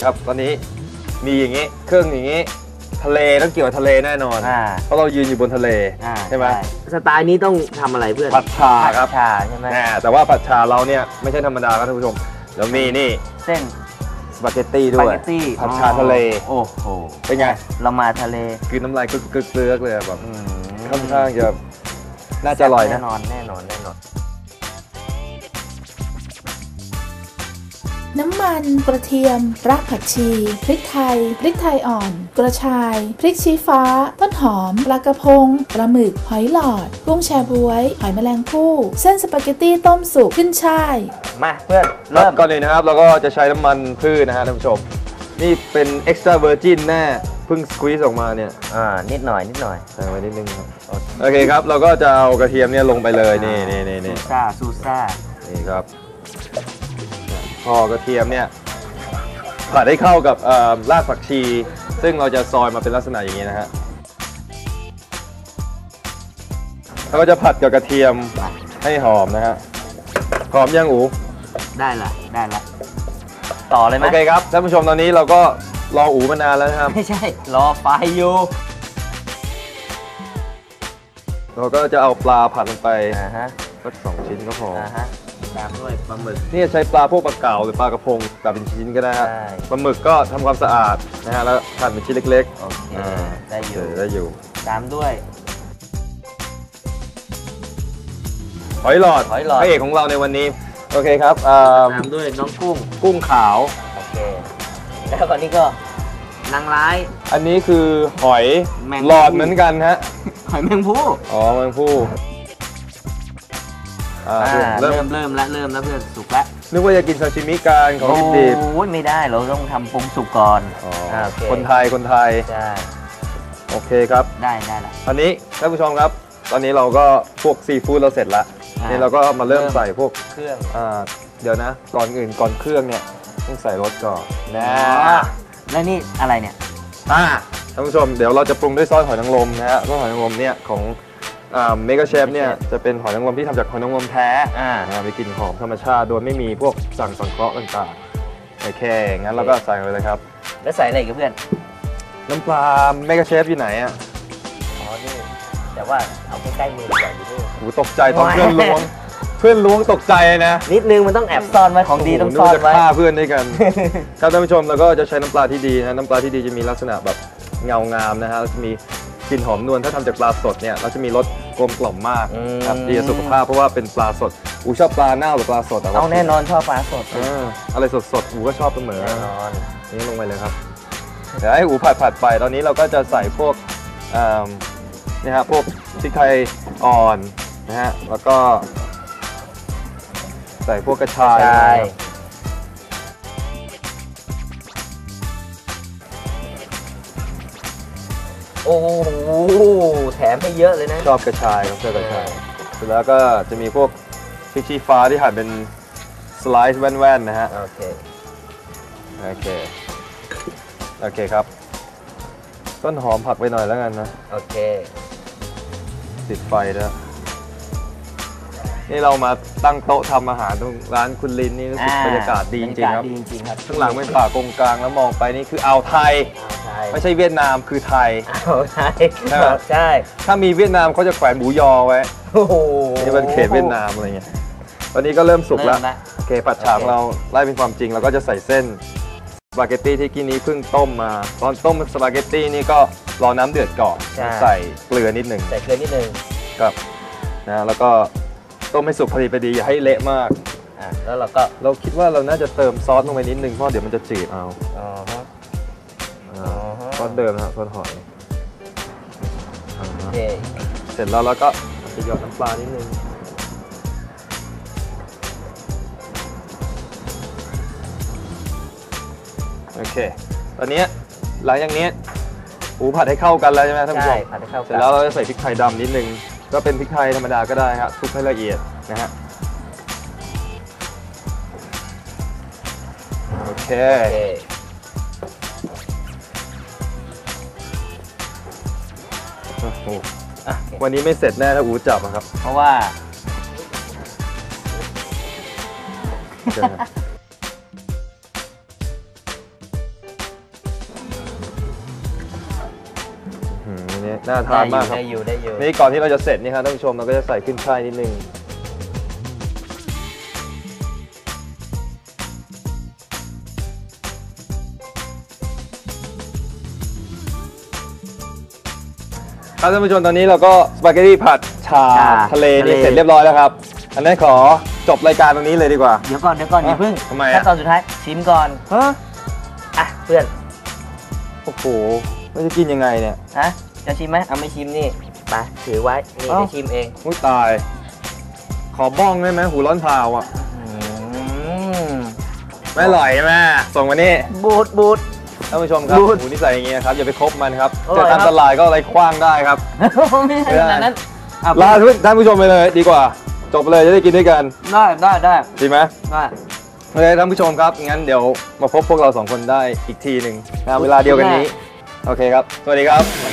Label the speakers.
Speaker 1: ครับตอนนี้มีอย่างนี้เครื่องอย่างนี้ทะเลต้องเกี่ยวกับทะเลแน่นอนเพราะเรายืนอยู่บนทะเลใช่ไหม
Speaker 2: สไตล์นี้ต้องทำอะไรเพื่อน
Speaker 1: ผัดชาครับ
Speaker 2: ชาใช่ไหม
Speaker 1: แต่ว่าผัดชาเราเนี่ยไม่ใช่ธรรมดาครับท่านผู้ชมเรามีนี่
Speaker 2: เส้น
Speaker 1: สปาเกตตี้ด้วยผัดชาทะเล
Speaker 2: โอ้โห
Speaker 1: เป็นไง
Speaker 2: เรามาทะเล
Speaker 1: คือน้ำลายกึกๆเลยแบบค่อนข้างจะน่าจะอร่อยนะ
Speaker 2: แน่นอน
Speaker 3: น้ำมันกระเทียมรากผักชีพริกไทยอ่อนกระชายพริกชี้ฟ้าต้นหอมปลากระพงปลาหมึกหอยหลอดกุ้งแชบ๊วยหอยแมลงภู่เส้นสปาเกตตี้ต้มสุกขึ้นช่าย
Speaker 2: มาเพื่อนเริ่ม
Speaker 1: ก่อนเลยนะครับเราก็จะใช้น้ำมันพืชนะฮะท่านผู้ชมนี่เป็น extra virgin แน่เพิ่งสควีซออกมาเนี่ย
Speaker 2: นิดหน่อย
Speaker 1: ใส่ไว้นิดนึงครับโอเคครับเราก็จะเอากระเทียมเนี่ยลงไปเลยนี่
Speaker 2: ซูซ่า
Speaker 1: นี่ครับพอกระเทียมเนี่ยผัดให้เข้ากับรากผักชีซึ่งเราจะซอยมาเป็นลักษณะอย่างนี้นะฮะเราก็จะผัดกับกระเทียมให้หอมนะฮะหอมยังอู
Speaker 2: ได้ละต่อเลยไหม
Speaker 1: โอเคครับท่านผู้ชมตอนนี้เราก็รออูมานานแล้วนะครับ
Speaker 2: ไม่ใช่รอไฟอยู่
Speaker 1: เราก็จะเอาปลาผัดลงไปสัก2 ชิ้นก็พอ
Speaker 2: ตามด้วยปลาหมึก
Speaker 1: นี่ใช้ปลาพวกปลาเก๋าหรือปลากระพงแบบเป็นชิ้นก็ได้ครับปลาหมึกก็ทำความสะอาดนะฮะแล้วหั่นเป็นชิ้นเล็ก
Speaker 2: ๆโอเคได้อยู่ตามด้วย
Speaker 1: หอยหลอดพระเอกของเราในวันนี้โอเคครับ
Speaker 2: ตามด้วยน้อง
Speaker 1: กุ้งขาว
Speaker 2: โอเคแล้วก่อนนี้ก็นางร้าย
Speaker 1: อันนี้คือหอยหลอดเหมือนกันฮะ
Speaker 2: หอยแมงผู้
Speaker 1: แมงผู้
Speaker 2: เริ่มแล้วเพื่อนสุกแล้ว
Speaker 1: นึกว่าจะกินซาชิมิกันของดิบ
Speaker 2: ๆไม่ได้เราต้องทำปรุงสุกก่อน
Speaker 1: คนไทย
Speaker 2: ใช่
Speaker 1: โอเคครับ
Speaker 2: ได้ละ
Speaker 1: ตอนนี้ท่านผู้ชมครับตอนนี้เราก็พวกซีฟู้ดเราเสร็จแล้วนี่เราก็มาเริ่มใส่พวก
Speaker 2: เครื่อง
Speaker 1: เดี๋ยวนะก่อนเครื่องเนี่ยต้องใส่รสก่อนนะ
Speaker 2: แล้วนี่อะไรเนี่ย
Speaker 1: ท่านผู้ชมเดี๋ยวเราจะปรุงด้วยซอสหอยนางรมนะฮะซอสหอยนางรมเนี่ยของเมกาเชฟเนี่ยจะเป็นหอยนางรมที่ทำจากหอยนางรมแท้มีกลิ่นหอมธรรมชาติโดยไม่มีพวกสั่งสังเคราะห์ต่างๆโอเคงั้นเราก็ใส่ไปเลยครับ
Speaker 2: แล้วใส่อะไรกับเพื่อน
Speaker 1: น้ำปลาเมกาเชฟอยู่ไหน
Speaker 2: นี่แต่ว่าเอาใกล้ๆมือใหญ่อยู่ด้วย
Speaker 1: ตกใจตอนเพื่อนล้วงตกใจนะ
Speaker 2: นิดนึงมันต้องแอบซ่อนไว้ของดีต้องซ่อนไว้
Speaker 1: ฆ่าเพื่อนด้วยกันครับท่านผู้ชมเราก็จะใช้น้ำปลาที่ดีนะน้ำปลาที่ดีจะมีลักษณะแบบเงางามนะฮะจะมีกลิ่นหอมนวลถ้าทำจากปลาสดเนี่ยเราจะมีรสกลมกล่อมมากครับดีต่อสุขภาพเพราะว่าเป็นปลาสดชอบปลาเน่าหรือปลาสด
Speaker 2: เอาแน่นอนชอบปลาสด
Speaker 1: อะไรสดก็ชอบเสมอแน่นอนนี่ลงไปเลยครับเดี๋ยวให้ผัดไปตอนนี้เราก็จะใส่พวกนี่ฮะพวกพริกไทยอ่อนนะฮะแล้วก็ใส่พวกกระชาย
Speaker 2: โอ้โหแถมให้เยอะเลยนะ
Speaker 1: ชอบกระชายครับชอบกระชายเสร็จแล้วก็จะมีพวกพริกชี้ฟ้าที่หั่นเป็นสไลซ์แว่นๆนะฮะ
Speaker 2: โอ
Speaker 1: เคครับต้นหอมผักไปหน่อยแล้วกันนะ
Speaker 2: โอเค
Speaker 1: ติดไฟแล้วนี่เรามาตั้งโต๊ะทำอาหารตรงร้านคุณลินนี่รู้สึกบรรยากาศดีจริงๆครับข้างหลังเป็นป่ากงกลางแล้วมองไปนี่คืออ่าวไทยไม่ใช่เวียดนามคือไทย
Speaker 2: ใช่
Speaker 1: ถ้ามีเวียดนามเขาจะแขวนหมูยอไว้นี่เป็นเขตเวียดนามอะไรเงี้ยตอนนี้ก็เริ่มสุกแล้วโอเคผัดฉ่าเราไล่เป็นความจริงเราก็จะใส่เส้นสปาเกตตี้ที่กี้นี้เพิ่งต้มมาตอนต้มสปาเกตตี้นี่ก็รอน้ำเดือดก่อนใส่เกลือนิดหนึ่งครับนะแล้วก็ต้มให้สุกพอดีอย่าให้เละมาก
Speaker 2: แล้ว
Speaker 1: เราคิดว่าเราน่าจะเติมซอสลงไปนิดนึงเพราะเดี๋ยวมันจะจืดเอาซอสเดิมนะซอสหอยเสร็จแล้วก็จะหยอดน้ำปลานิดนึงโอเคตอนนี้หลังจากนี้ผัดให้เข้ากันแล้วใช่ไหมท่านผู้ชม
Speaker 2: ผัดให้เข้ากัน
Speaker 1: เสร็จแล้วเราจะใส่พริกไทยดำนิดนึงก็เป็นพริกไทยธรรมดาก็ได้ครับคลุกให้ละเอียดนะฮะโอเควันนี้ไม่เสร็จแน่ถ้าจับครับ
Speaker 2: เพราะว่า
Speaker 1: น่าทานมากครับ
Speaker 2: ได้อยู่
Speaker 1: นี่ก่อนที่เราจะเสร็จนี่ครับท่านผู้ชมเราก็จะใส่ขึ้นช่ายนิดนึงครับท่านผู้ชมตอนนี้เราก็สปาเกตตี้ผัดชาทะเลนี่เสร็จเรียบร้อยแล้วครับอันนั้นขอจบรายการตรงนี้เลยดีกว่า
Speaker 2: เดี๋ยวก่อนอย่าเพิ่ง
Speaker 1: ทำไม
Speaker 2: ขั้นตอนสุดท้ายชิมก่อน
Speaker 1: ฮะ
Speaker 2: อ่ะเพื่อน
Speaker 1: โอ้โหไม่จะกินยังไงเนี่ย
Speaker 2: ฮะจะชิมไหมเอาไม่ชิมนี่ไปถือไว้นี่
Speaker 1: เอ้า
Speaker 2: จะชิมเอง
Speaker 1: อุ้ยตาย ขอบ้องได้ไหมหูร้อนเผาอ่ะ
Speaker 2: อืม
Speaker 1: ไม่อร่อยใช่ไหมส่งมานี่
Speaker 2: บูด
Speaker 1: ท่านผู้ชมครับ
Speaker 2: ดูด
Speaker 1: หูนิสัยอย่างเงี้ยครับอย่าไปคบมันครับ
Speaker 2: อร่
Speaker 1: เจ
Speaker 2: อย
Speaker 1: อ
Speaker 2: ครับ
Speaker 1: ตามตลาดก็อะไรคว้างได้ครับ
Speaker 2: ไม่ใช่ขนาดนั้นอ่ะ
Speaker 1: ลาท่านผู้ชมไปเลยดีกว่า จบเลยจะได้กินด้วยกัน
Speaker 2: ได้
Speaker 1: ดีไหม
Speaker 2: ได้
Speaker 1: โอเคท่านผู้ชมครับงั้นเดี๋ยวมาพบพวกเราสองคนได้อีกทีหนึ่งเวลาเดียวกันนี้โอเคครับสวัสดีครับ